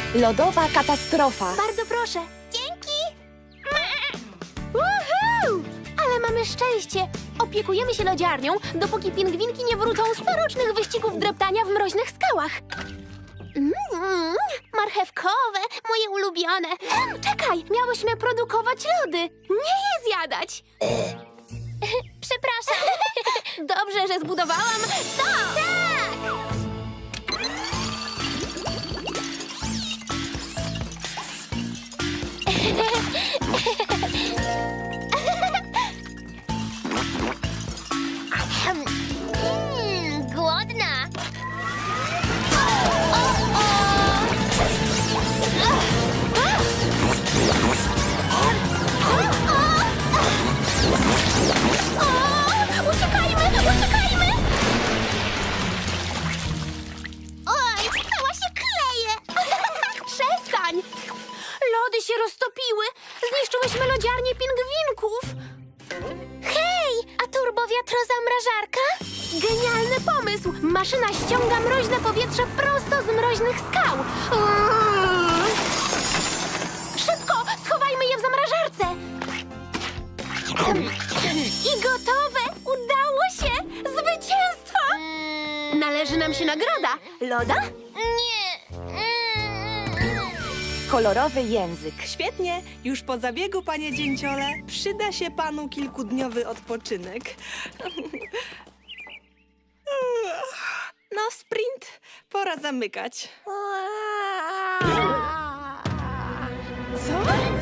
Lodowa katastrofa. Bardzo proszę. Dzięki! Woohoo! Ale mamy szczęście. Opiekujemy się lodziarnią, dopóki pingwinki nie wrócą z corocznych wyścigów dreptania w mroźnych skałach. Marchewkowe, moje ulubione. Czekaj, miałyśmy produkować lody, nie je zjadać. Przepraszam. Dobrze, że zbudowałam to! Tak! Głodna. Uciekajmy, uciekajmy! Oj, cała się kleje! Przestań! Lody się roztopiły. Zniszczyłyśmy lodziarnię pingwinków. Hej, a turbowiatrozamrażarka? Genialny pomysł! Maszyna ściąga mroźne powietrze prosto z mroźnych skał. Szybko, schowajmy je w zamrażarce. I gotowe! Udało się! Zwycięstwo! Należy nam się nagroda. Loda? Nie. Kolorowy język. Świetnie, już po zabiegu, panie dzięciole. Przyda się panu kilkudniowy odpoczynek. No, sprint, pora zamykać. Co?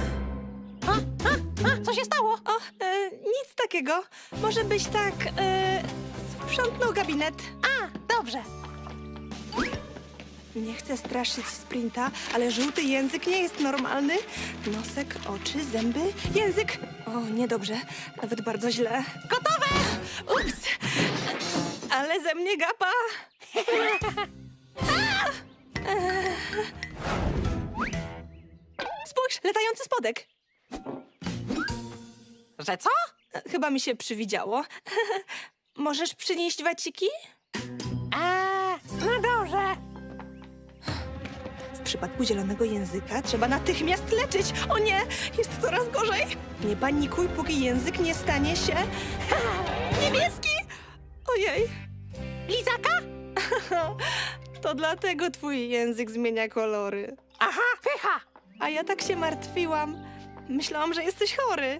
Co się stało? O, nic takiego. Może byś tak, sprzątnął gabinet. A, dobrze. Nie chcę straszyć sprinta, ale żółty język nie jest normalny. Nosek, oczy, zęby, język. O, niedobrze. Nawet bardzo źle. Gotowe! Ups! Ale ze mnie gapa. Spójrz, latający spodek. Że co? Chyba mi się przywidziało. Możesz przynieść waciki? No dobrze. W przypadku zielonego języka trzeba natychmiast leczyć. O nie, jest coraz gorzej. Nie panikuj, póki język nie stanie się... niebieski! Ojej. Lizaka? To dlatego twój język zmienia kolory. Aha, pycha. A ja tak się martwiłam. Myślałam, że jesteś chory.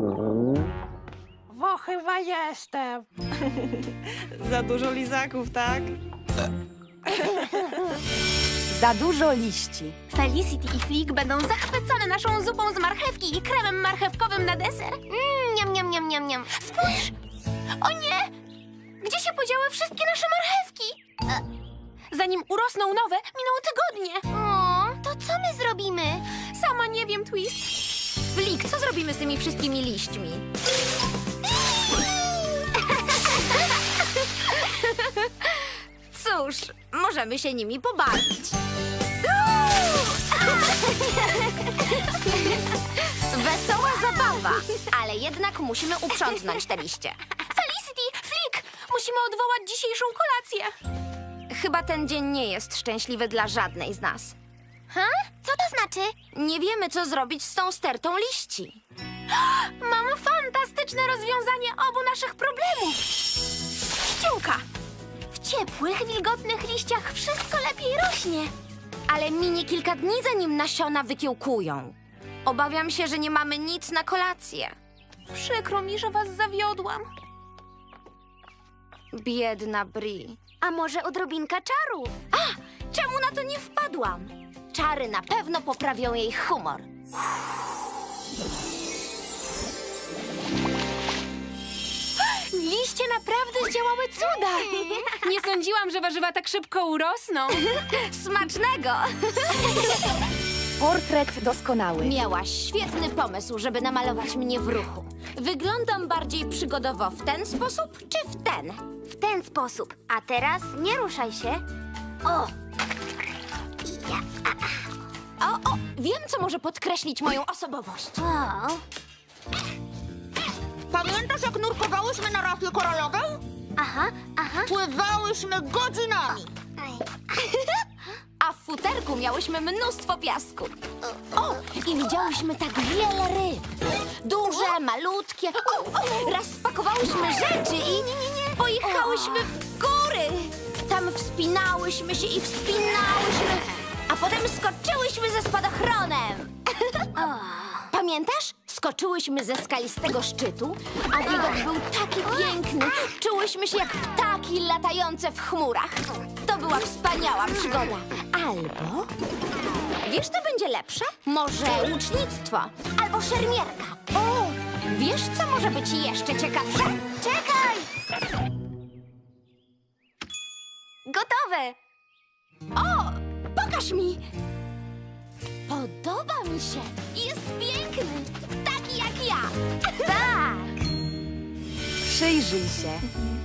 Bo chyba jestem. Za dużo lizaków, tak? Za dużo liści. Felicity i Flick będą zachwycone naszą zupą z marchewki i kremem marchewkowym na deser. Niam, niam, niam, niam, niam. Spójrz! O nie! Gdzie się podziały wszystkie nasze marchewki? Zanim urosną nowe, miną tygodnie. To co my zrobimy? Sama nie wiem, Twist. Flick, co zrobimy z tymi wszystkimi liśćmi? Cóż, możemy się nimi pobawić. Wesoła zabawa, ale jednak musimy uprzątnąć te liście. Felicity, Flick! Musimy odwołać dzisiejszą kolację. Chyba ten dzień nie jest szczęśliwy dla żadnej z nas. Co to znaczy? Nie wiemy, co zrobić z tą stertą liści. Mam fantastyczne rozwiązanie obu naszych problemów. Ściółka. W ciepłych, wilgotnych liściach wszystko lepiej rośnie. Ale minie kilka dni, zanim nasiona wykiełkują. Obawiam się, że nie mamy nic na kolację. Przykro mi, że was zawiodłam. Biedna Bri. A może odrobinka czarów? Czemu na to nie wpadłam? Czary na pewno poprawią jej humor. Liście naprawdę zdziałały cuda. Nie sądziłam, że warzywa tak szybko urosną. Smacznego! Portret doskonały. Miałaś świetny pomysł, żeby namalować mnie w ruchu. Wyglądam bardziej przygodowo w ten sposób, czy w ten? W ten sposób. A teraz nie ruszaj się. O! O, wiem, co może podkreślić moją osobowość. O! Pamiętasz, jak nurkowałyśmy na rafie koralowej? Aha, aha. Pływałyśmy godzinami. A futerku miałyśmy mnóstwo piasku. O, i widziałyśmy tak wiele ryb. Duże, malutkie. Raz spakowałyśmy rzeczy i pojechałyśmy w góry. Tam wspinałyśmy się i wspinałyśmy, a potem skoczyłyśmy ze spadochronem. Pamiętasz? Skoczyłyśmy ze skalistego szczytu, a widok był taki piękny. Czułyśmy się jak ptaki latające w chmurach. To była wspaniała przygoda. Albo... Wiesz, co będzie lepsze? Może łucznictwo albo szermierka. O, wiesz, co może być jeszcze ciekawsze? Czekaj! Gotowe! O, pokaż mi! Podoba mi się. Jest piękny. Taki jak ja. Tak! Przyjrzyj się.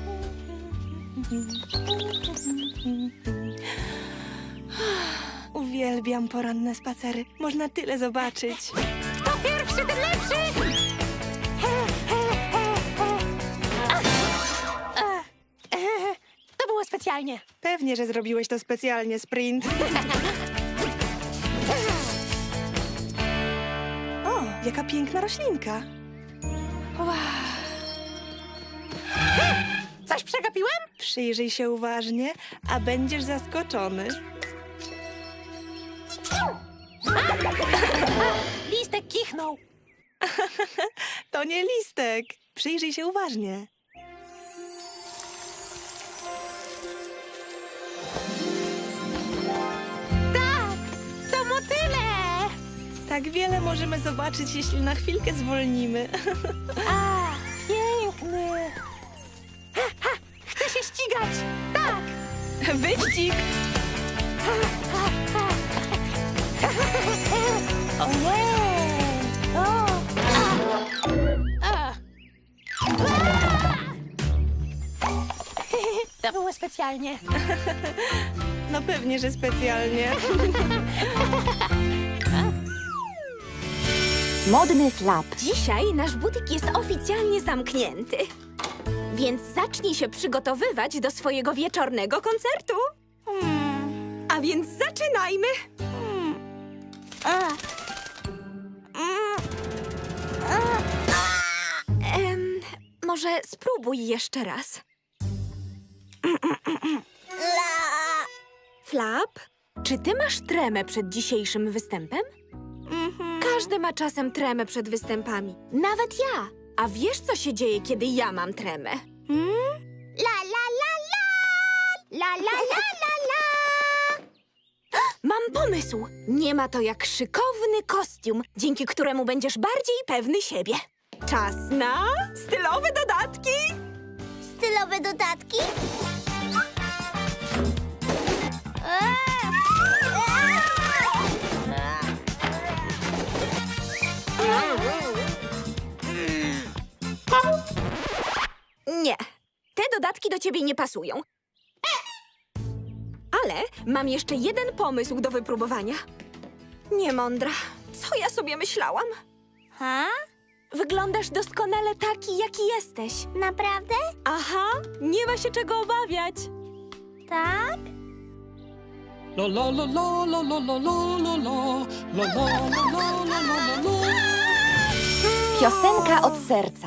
Uwielbiam poranne spacery. Można tyle zobaczyć. Kto pierwszy, ten lepszy! To było specjalnie. Pewnie, że zrobiłeś to specjalnie, Sprint. O, jaka piękna roślinka. Wow. Coś przegapiłem? Przyjrzyj się uważnie, a będziesz zaskoczony. Listek kichnął. To nie listek. Przyjrzyj się uważnie. Tak, to motyle. Tak wiele możemy zobaczyć, jeśli na chwilkę zwolnimy. A, piękny. Chcę się ścigać. Tak. Wyścig! O nie! O! To było specjalnie. No pewnie, że specjalnie. Modny flap. Dzisiaj nasz butik jest oficjalnie zamknięty. Więc zacznij się przygotowywać do swojego wieczornego koncertu. A więc zaczynajmy. Może spróbuj jeszcze raz. Flap, czy ty masz tremę przed dzisiejszym występem? Każdy ma czasem tremę przed występami. Nawet ja. A wiesz, co się dzieje, kiedy ja mam tremę? La la la la! La la la la la! Mam pomysł. Nie ma to jak szykowny kostium, dzięki któremu będziesz bardziej pewny siebie. Czas na stylowe dodatki. Stylowe dodatki? Nie, te dodatki do ciebie nie pasują. Ale mam jeszcze jeden pomysł do wypróbowania. Niemądra. Co ja sobie myślałam? Ha? Wyglądasz doskonale taki, jaki jesteś. Naprawdę? Aha, nie ma się czego obawiać. Tak? La la la la la la la la la la la la la la la la. Piosenka od serca.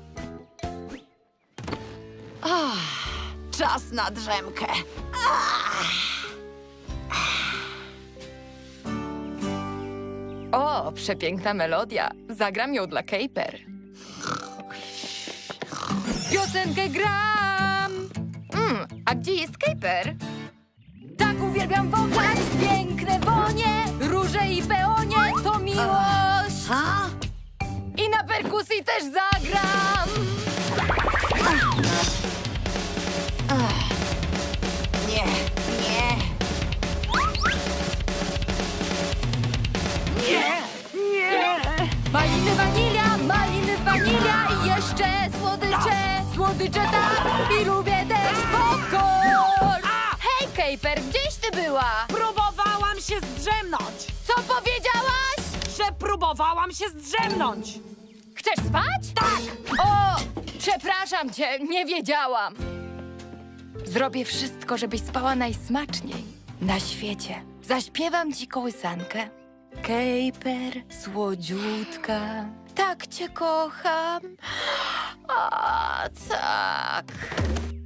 Czas na drzemkę. O, przepiękna melodia. Zagram ją dla Kejper. Piosenkę gram! A gdzie jest Kejper? Tak uwielbiam wąchać piękne wonie, róże i peonie to miłość. Ha? I na perkusji też zagram. Nie, nie. Maliny, wanilia i jeszcze słodycze. Słodycze tak i lubię też popcorn. Hej, Kejper, gdzieś ty była? Próbowałam się zdrzemnąć. Co powiedziałaś? Że próbowałam się zdrzemnąć. Chcesz spać? Tak! O, przepraszam cię, nie wiedziałam. Zrobię wszystko, żebyś spała najsmaczniej na świecie. Zaśpiewam ci kołysankę. Kejper, słodziutka, tak cię kocham. A, tak.